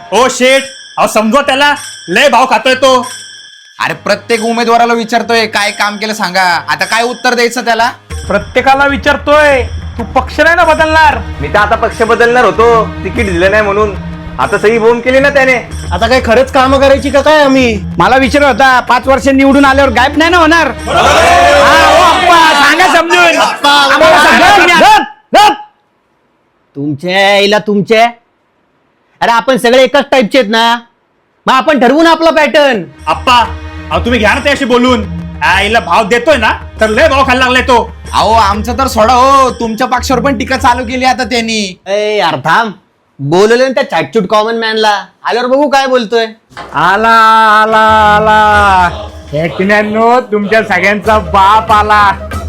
ओ शेठ, अहो समजवा त्याला, लय भाव खातोय तो. अरे प्रत्येक उमेदवाराला विचारतोय काय काम केलं सांगा, आता काय उत्तर द्यायचं त्याला? प्रत्येकाला विचारतोय, तू पक्ष नाही ना बदलणार? मी तर आता पक्ष बदलणार होतो, तिकीट दिलं नाही म्हणून. आता सही बोंब केली ना त्याने. आता काय खरंच काम करायची का काय आम्ही? मला विचार होता 5 वर्ष निवडून आल्यावर गायब नाही ना होणार. सांगा समजून. तुमचे अरे आपण सगळे एकाच टाईपचे आहेत ना, मग आपण ठरवून आपला पॅटर्न. आप्पा, अहो तुम्ही घ्या ना त्याशी बोलून. आईला भाव देतोय ना, तर लय भाव खायला लागलाय तो. अहो आमचं तर सोडा हो, तुमच्या पक्षावर पण टीका चालू केली आता त्यांनी. यार थांब, बोलवलं ना त्या चॅटचूट कॉमन मॅनला, आल्यावर बघू काय बोलतोय. आला आला आला एकट्यानो, तुमच्या सगळ्यांचा बाप आला.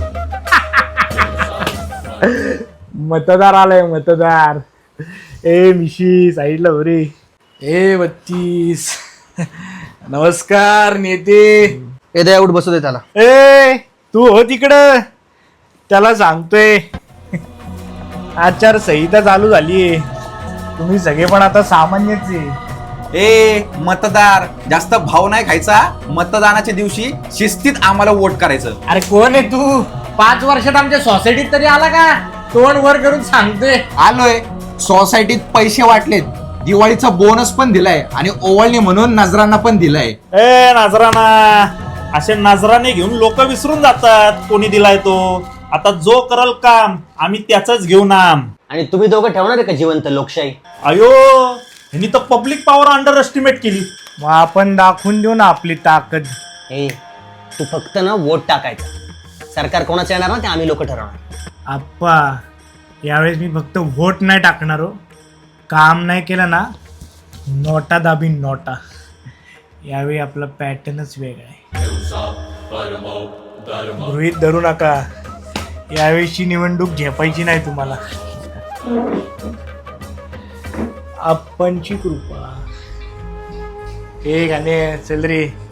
मतदार आलाय मतदार. ए मिशी साईडला हो रे. ए 32. नमस्कार नेते. एकदा एवढं बसू दे त्याला. ए तू हो तिकडं, त्याला सांगतोय आचारसंहिता चालू झालीये, तुम्ही सगळे पण आता सामान्यच आहे. ए मतदार, जास्त भाव नाही खायचा. मतदानाच्या दिवशी शिस्तीत आम्हाला वोट करायचं. अरे कोण आहे तू? 5 वर्षात आमच्या सोसायटीत तरी आला का? तोंड वर करून सांगतोय. आलोय, सोसायटीत पैसे वाटलेत, दिवाळीचा बोनस पण दिलाय आणि ओवाळणी म्हणून नजरांना पण दिलाय. ए नजराना, असे नजराने घेऊन लोक विसरून जातात कोणी दिलाय तो. आता जो करल काम आम्ही त्याच घेऊ नाम. आणि तुम्ही दोघं ठेवणार आहे का जिवंत लोकशाही? अयो, ह्यांनी तर पब्लिक पॉवर अंडर एस्टिमेट केली. मग आपण दाखवून देऊ ना आपली ताकद. तू फक्त ना वोट टाकायचा. सरकार कोणाचं येणार ना ते आम्ही लोक ठरवणार. आप्पा, यावेळेस मी फक्त व्होट नाही टाकणार हो. काम नाही केलं ना, नोटा दाबी नोटा. यावेळी आपला पॅटर्नच वेगळा आहे. गृहीत धरू नका, यावेळीची निवडणूक झेपायची नाही तुम्हाला. आपणची कृपा. हे गाणे चल रे.